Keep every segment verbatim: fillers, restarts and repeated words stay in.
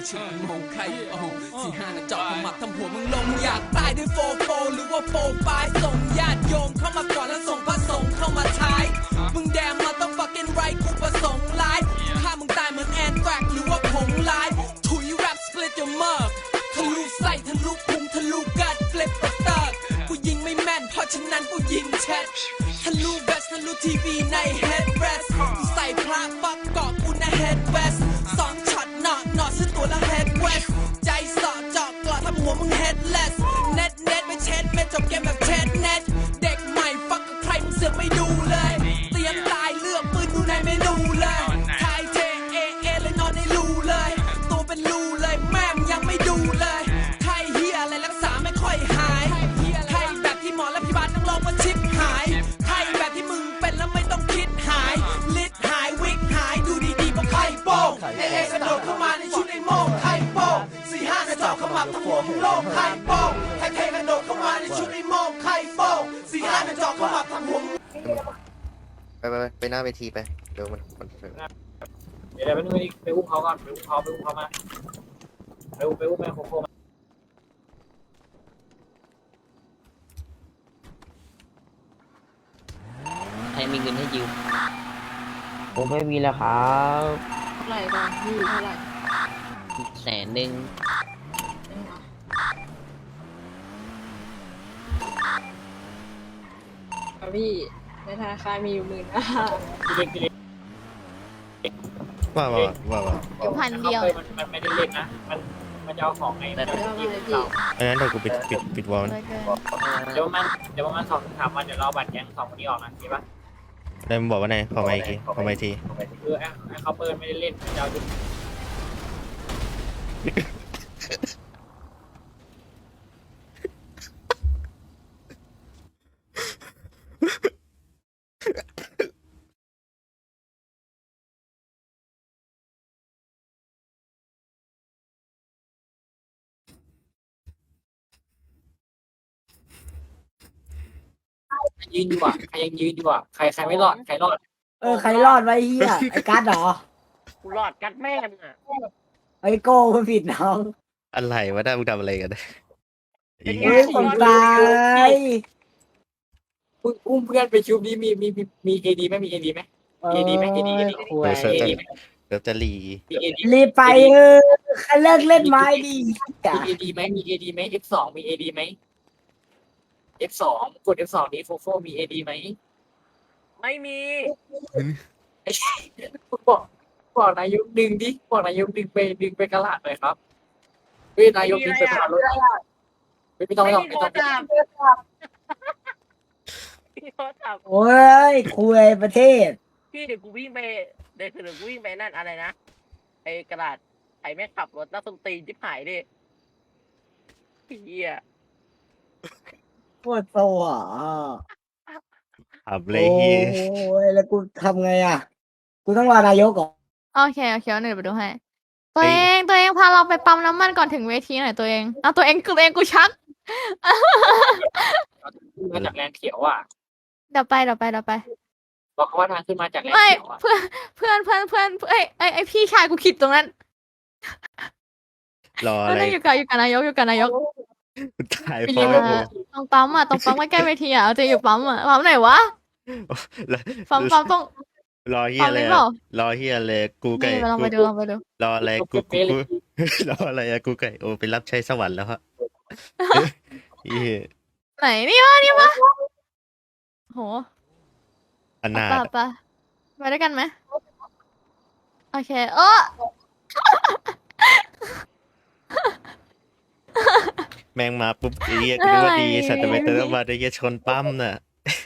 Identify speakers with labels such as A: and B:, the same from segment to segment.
A: ชุดมองใครโอ้สี่ห้าน่ะจอดขมับทำหัวมึงลงอยากตายด้วยโฟโฟหรือว่าโฟปายส่งญาติโยมเข้ามาก่อนแล้วส่งพระสงฆ์เข้ามาท้ายมึงแดมมาต้อง fucking right กูประสงค์ร้ายฆ่ามึงตายเหมือนแอนแทรกหรือว่าผงลายถุยแรปสปลิตyour mugทะลุไส้ทะลุพุงทะลุกัดเฟลิปเปอร์เตอร์กูยิงไม่แม่นเพราะฉะนั้นกูยิงแชททะลุเวสทะลุทีวีในเฮดเรสกูใส่พระปักเกาะกูในเฮดเวสสองช็อตหนอหนอซื้อตัวละเฮดเวสใจสอดจอกกลอดทำหัวมึงเฮดเลสเน็ตเน็ตไม่เช็ดไม่จบเกมแบบเช็ดเน็ตเด็กใหม่ฟักกับใครมึงเสือกไม่ดูเลยเตรียมตายเลือกปืนดูในเมนูเลยไทยเทเอเอเลยนอนในรูเลยตัวเป็นรูเลยแม่มยังไม่ดูเลยไทยเฮียอะไรรักษาไม่ค่อยหายไทยแบบที่หมอและพยาบาลต้องลองว่าชิปหายไทยแบบที่มึงเป็นแล้วไม่ต้องคิดหายลิดหายวิกหายดูดีๆก็ไข่โป้งเอเอกระโดดเข้ามาในชุดไอ้โม่งไข่โป้งสี่ห้าจะเจาะขมับทั้งหัวมึงโล่งไข่โป้งไทยเทกระโดดเข้ามาในชุดไอ้โม่งไข่โป้งสี่ห้าจะเจาะขมับทั้งหัวมึง
B: ไปไปไปไปหน้าเวทีไปเดี๋ยวมันมัน
C: เดี๋ยวเดี๋ยวไปนู่นไปอุ้มเขาก่อนไปอุ้มเขาไปอุ้มเขามาไปอุ้มไปอุ้มแม่โคโค่มา
D: ใครมีเงินให้ยืม
E: ผมไม่มีแล้วครับ
F: เท่าไหร่ก่อนพี่เท่าไหร่
D: แสนหนึ่ง
F: ครับพี่ในธนาคารมีอยู่หมื่นห้า
C: พี่เล็กพี่เล็ก
B: ว่าว่าว่าว่า
F: อยู่พันเดียว
C: มันมันไม่ได้เล่นนะมันมันจะเอาของไงมันจะ
F: เดี๋ยว
C: ยิง
F: มาเลยพี่
C: เรา
B: อันนั้นเดี๋ยวกูปิดปิดปิดวอล
F: เลยเกิน
C: เดี๋ยวมันเดี๋ยวมันสองสามวันเดี๋ยวเราบัตรแก๊งสองคนนี้ออกนะดีปะ
B: ได้มึงบอกว่าไงขอมาอีกทีขอมาอีกที
C: คือไอ้ไอ้เขาเปิดไม่ได้เล่นมันจะเอาจุด ยืนอยู่อ่ะใครยังยืนอยู่อ่ะใครใครไม่รอดใครรอด
E: เออใครรอดไว้เฮียไอ้กัดเหรอ
D: กูรอดกัดแม่มึงอ่ะ
E: ไอ้โก้มันผิดน้อง
B: อะไรวะได้มึงทำอะไรกันอี
E: เฮ้ยผมตาย
C: อุ้มเพื่อนไปชุบนี้มีมีมีมีเอดีไหมมีเอดีไหม เอดีไหมเอดีเอดี
E: คุย
C: เอดีไหม
B: เดี๋ยวจะรี
C: มีเอดี
E: รีบไปเออใครเลิกเล่นไม้ดีจ้ะ
C: มีเอดีไหมมีเอดีไหม F สองมีเอดีไหม F สองกด F สองนี้โฟโฟมีเอดีไหม
D: ไม่มี
C: บอกบอกนายกดึงดิบอกนายกดึงไปดึงไปกระลาดหน่อยครับเฮ้ยนายกดึงไปกระลาดรถไม่ไม่ต้องไม่ต้องไม่ต้อง
D: พี่โทรศัพท์
E: โอ้ยคุยประเทศ
D: พี่เดี๋ยวกูวิ่งไปเดี๋ยวเดี๋ยวกูวิ่งไปนั่นอะไรนะไอ้กระดาษไอ้แม่งขับรถนักดนตรีที่หายดิเฮีย
E: ปวดโซอ่ะ
B: ขับเลย
E: โอ้
B: เฮีย
E: ยแล้วกูทำไงอ่ะ กูต้องรอนายกก่อน
F: โอเคโอเคเดี๋ยวไปดูให้ตัวเองตัวเองพาเราไปปั๊มน้ำมันก่อนถึงเวทีหน่อยตัวเองเอาตัวเองคือตัวเองกูชัก
C: มาจากแลนด์เขียวอ่ะ
F: เดี๋ยวไปเดี๋ยวไปเดี๋ยวไป
C: บอกเขาว่าทางขึ้นมาจากแลนด์
F: ไม่
C: เขียวอ่ะ
F: เพื่อนเพื่อนเพื่อนเพื่อนเอ้ยไอไอพี่ชายกูขิดตรงนั้น
B: รอ
F: เอ
B: อะ
F: อ
B: ไร
F: นั่นอยู่กับอยู่กับนายกอยู่กับนายก
B: ตาย
F: ไป
B: เพ
F: ยื
B: ราะ
F: น
B: ว่า
F: ตรงปั๊มอ่ะตรงปั๊มใกล้ๆเวทีอ่ะเอาจะอยู่ปั๊มอ่ะปั๊มไหนวะ
B: แล้ว
F: ปั๊มปั๊มตรง
B: รอเฮีย
F: ปั๊ม
B: อะไร
F: นี้
B: อะ
F: เปล่าร
B: อเฮียอะไรกูไก่
F: นี่ลองไปดูลองไปดู
B: รออะไรกูกูกูรออะไรอะกูไก่โอ้ไปรับใช้สวรรค์แล้วฮะเฮีย
F: ไหนนี่วะนี่วะโห
B: อนา
F: ไป
B: ถ
F: ไปไปด้วยกันไหมโอเคเออ
B: แมงมาปุ๊บไอ้เฮียกูนึกว่าดีสัตว์แต่ไปเติมมาได้เฮียชนปั้มน่ะ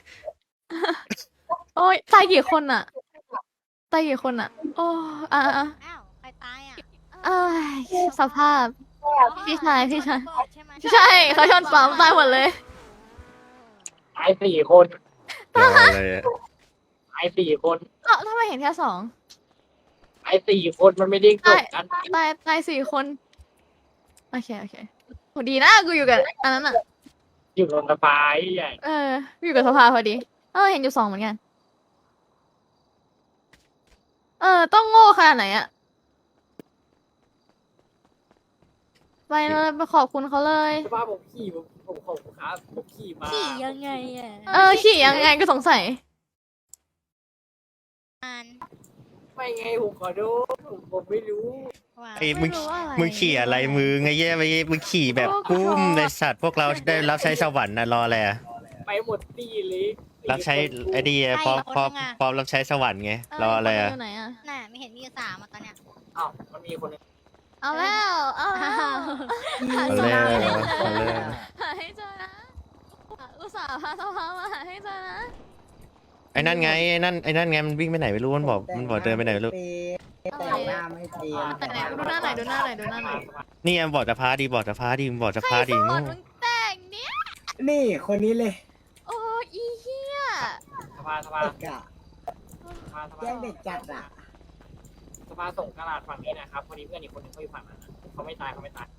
F: โอ้ยตายกี่คนอ่ะตายกี่คนอ่ะ โอ้อ่ะอ่ะ
G: อ้าวใครตายอ่ะ
F: เอ้ยสภาพ พี่ชายพี่ชาย
G: ใช่ไหม
F: ใช่เขาชนปั๊มตายหมดเลย
C: ตายสี่คน
B: รออะไรอะ
C: ตายสี่คน
F: เอ้าทำไมเห็นแค่สอง
C: ตายสี่คนมันไม่ได้กดกัน
F: ตายตายสี่คนโอเคโอเคโหดีนะกูอยู่กับอันนั้นอ่ะ
C: อยู่ลงสะพายใหญ่
F: เอออยู่กับสภาพอดีเออเห็นอยู่สองเหมือนกันเออต้องโง่ขนาดไหนอ่ะไปเลยไปขอบคุณเขาเลย
C: สภาพผมขี่ผมผมขอบคุณครับผมขี่มา
G: ขี่ยังไงอ่ะ
F: เออขี่ยังไงก็สงสัย
G: อ่าน
C: ไม่ไงผมขอโทษผมผมไม่รู้
G: ว่า
B: ไอ้มึง
F: ไม่รู้อะไร
B: มึงขี่อะไรมือไงแย่ไปมึงขี่แบบกุ้มในสัตว์พวกเราได้รับใช้สวรรค์นะรออะไรอะ
C: ไปหมดตีเลยตี
B: รับใช้ไอ้ดีอะพร้อมพร้อมพร้อมรับใช้สวรรค์ไงรออะไรอะ
F: ยู่ไหนอะ
G: น่ะไม่เห็นมีอยู่สามอ่ะตอนเนี้ย
C: อ้าวมันมีคนหนึง
F: เอาแล้วเอาแล้ว
B: เอาแล้วเอาแล้ว
F: หาให้เจอนะอุตส่าห์พาสภามาหาให้เจอนะ
B: ไอ้นั่นไงไอ้นั่นไอ้นั่นไงมันวิ่งไปไหนไม่รู้มันบอกมันบอกเดินไปไหนไม่รู้
E: แต่งหน้าไม่เตรียม
F: ไหนไหนดูหน้าไหนอยดูหน้าไหนอยดูหน้าไหนอย
B: นี่ไงบอกจะพาดีบอกจะพาดีมึงบอกจะ
F: ใคร
B: พาดี
F: สอ
B: โง่
F: นมึงแต่งเนี่ย
E: นี่คนนี้เลย
F: โอ้อีเหี้ย
C: สภาสภา
E: เด็กอะ
C: สภาสภา
E: แย่งเด็กจัดอะ
C: สภาส่งกระดาษฝั่งนี้นะครับพอดีเพื่อนอีกคนหนึงเขาอยู่ฝั่งนั้นนะเขาไม่ตายเขาไม่ตาย